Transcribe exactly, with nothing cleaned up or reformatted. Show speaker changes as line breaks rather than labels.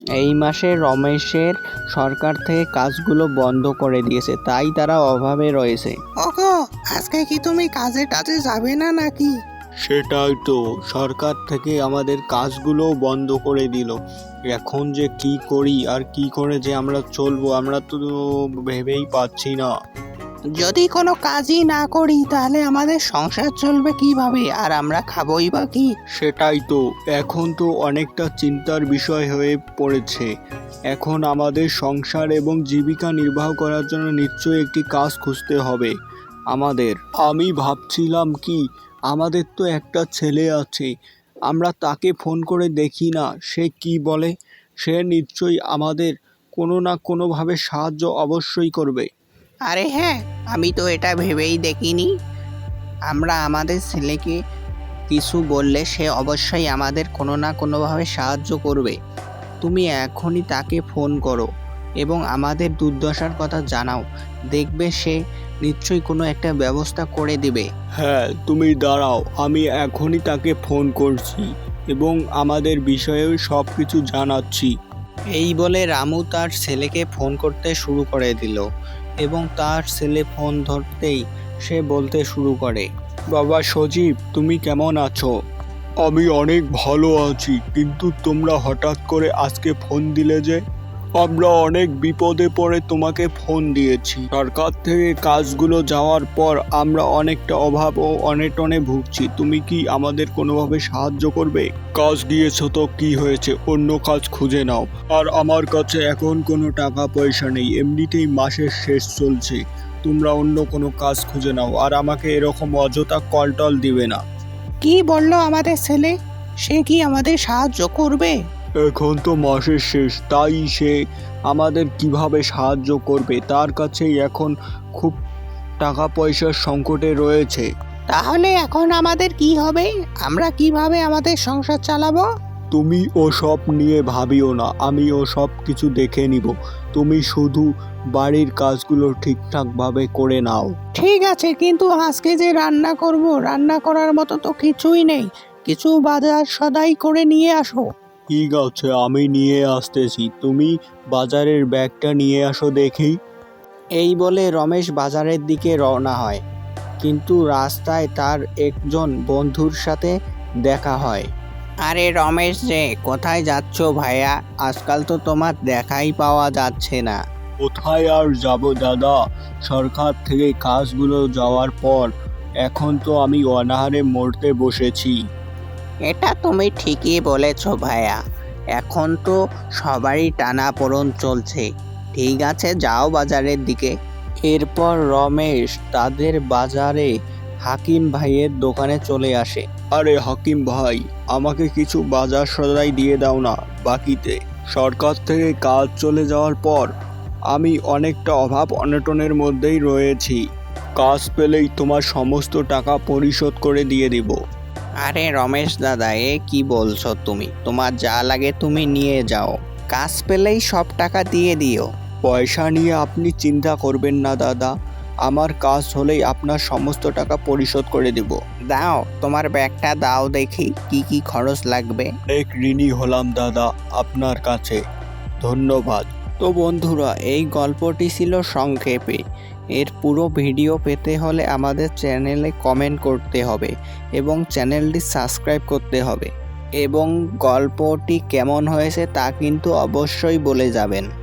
এই মাসে রমেশের সরকার থেকে কাজগুলো বন্ধ করে দিয়েছে, তাই তারা অভাবে রয়েছে।
ওগো, আজকে কি তুমি কাজে টাজে যাবে না নাকি?
সেটাই তো, সরকার থেকে আমাদের কাজগুলো বন্ধ করে দিল। এখন যে কি করি আর কি করে যে আমরা চলবো আমরা তো ভেবেই পাচ্ছি না।
যদি কোনো কাজই না করি তাহলে আমাদের সংসার চলবে কিভাবে, আর আমরা খাবোই বা কি?
সেটাই তো, এখন তো অনেকটা চিন্তার বিষয় হয়ে পড়েছে। এখন আমাদের সংসার এবং জীবিকা নির্বাহ করার জন্য নিশ্চয়ই একটি কাজ খুঁজতে হবে আমাদের। আমি ভাবছিলাম কি, আমাদের তো একটা ছেলে আছে, আমরা তাকে ফোন করে দেখি না সে কি বলে। সে নিশ্চয়ই আমাদের কোনো না কোনোভাবে সাহায্য অবশ্যই করবে।
আরে হ্যাঁ, আমি তো এটা ভেবেই দেখিনি। আমরা আমাদের ছেলেকে কিছু বললে সে অবশ্যই আমাদের কোনো না কোনোভাবে সাহায্য করবে। তুমি এখনই তাকে ফোন করো এবং আমাদের দুর্দশার কথা জানাও, দেখবে সে নিশ্চয়ই কোনো একটা ব্যবস্থা করে দিবে।
হ্যাঁ, তুমি দাঁড়াও, আমি এখনই তাকে ফোন করছি এবং আমাদের বিষয়েও সব কিছু জানাচ্ছি।
এই বলে রামু তার ছেলেকে ফোন করতে শুরু করে দিল এবং তার ছেলে ফোন ধরতেই সে বলতে শুরু করে।
বাবা সজীব, তুমি কেমন আছো? আমি অনেক ভালো আছি, কিন্তু তোমরা হঠাৎ করে আজকে ফোন দিলে যে? আমরা অনেক বিপদে পড়ে তোমাকে ফোন দিয়েছি। সরকার থেকে কাজগুলো যাওয়ার পর আমরা অনেকটা অভাব ও অনেটনে ভুগছি। তুমি কি আমাদের কোনোভাবে সাহায্য করবে? কাজ দিয়েছো তো কি হয়েছে, অন্য কাজ খুঁজে নাও। আর আমার কাছে এখন কোনো টাকা পয়সা নেই, এমনিতেই মাসের শেষ চলছে। তোমরা অন্য কোনো কাজ খুঁজে নাও, আর আমাকে এরকম অযথা কল টল দিবে না।
কি বললো আমাদের ছেলে? সে কি আমাদের সাহায্য করবে?
এখন তো মাসের শেষ, তাই সে আমাদের কিভাবে সাহায্য করবে? তার কাছেই এখন খুব টাকা পয়সার সংকটে রয়েছে।
তাহলে এখন আমাদের কি হবে? আমরা কিভাবে আমাদের সংসার চালাবো?
তুমি ও সব নিয়ে ভাবিও না, আমি ও সব কিছু দেখে নিব। তুমি শুধু বাড়ির কাজগুলো ঠিকঠাকভাবে করে নাও।
ঠিক আছে, কিন্তু আজকে যে রান্না করব, রান্না করার মতো তো কিছুই নেই। কিছু বাজার সদাই করে নিয়ে আসো।
ঠিক আছে, আমি নিয়ে আসতেছি, তুমি বাজারের ব্যাগটা নিয়ে আসো দেখি।
এই বলে রমেশ বাজারের দিকে রওনা হয়, কিন্তু রাস্তায় তার একজন বন্ধুর সাথে দেখা হয়।
আরে রমেশ যে, কোথায় যাচ্ছ ভাইয়া? আজকাল তো তোমার দেখাই পাওয়া যাচ্ছে না।
কোথায় আর যাব দাদা, সরকার থেকে কাজগুলো যাওয়ার পর এখন তো আমি অনাহারে মরতে বসেছি।
এটা তুমি ঠিকই বলেছ ভাইয়া, এখন তো সবারই টানাপোড়েন চলছে। ঠিক আছে, যাও বাজারের দিকে।
এরপর রমেশ তাদের বাজারে হাকিম ভাইয়ের দোকানে চলে আসে।
আরে হাকিম ভাই, আমাকে কিছু বাজার সদাই দিয়ে দাও না বাকিতে। সরকার থেকে কাজ চলে যাওয়ার পর আমি অনেকটা অভাব অনটনের মধ্যেই রয়েছি। কাজ পেলেই তোমার সমস্ত টাকা পরিশোধ করে দিয়ে দিব।
আরে রমেশ দাদা, এ কি বলছো তুমি? তোমার যা লাগে তুমি নিয়ে যাও, কাজ পেলেই সব টাকা দিয়ে দিও।
পয়সা নিয়ে আপনি চিন্তা করবেন না দাদা, আমার কাজ হলেই আপনার সমস্ত টাকা পরিশোধ করে দেব।
দাও, তোমার ব্যাগটা দাও দেখি, কি কি খরচ লাগবে।
অনেক ঋণী হলাম দাদা আপনার কাছে, ধন্যবাদ।
তো বন্ধুরা, এই গল্পটি ছিল সংক্ষেপে। এর পুরো ভিডিও পেতে হলে আমাদের চ্যানেলে কমেন্ট করতে হবে এবং চ্যানেলটি সাবস্ক্রাইব করতে হবে, এবং গল্পটি কেমন হয়েছে তা কিন্তু অবশ্যই বলে যাবেন।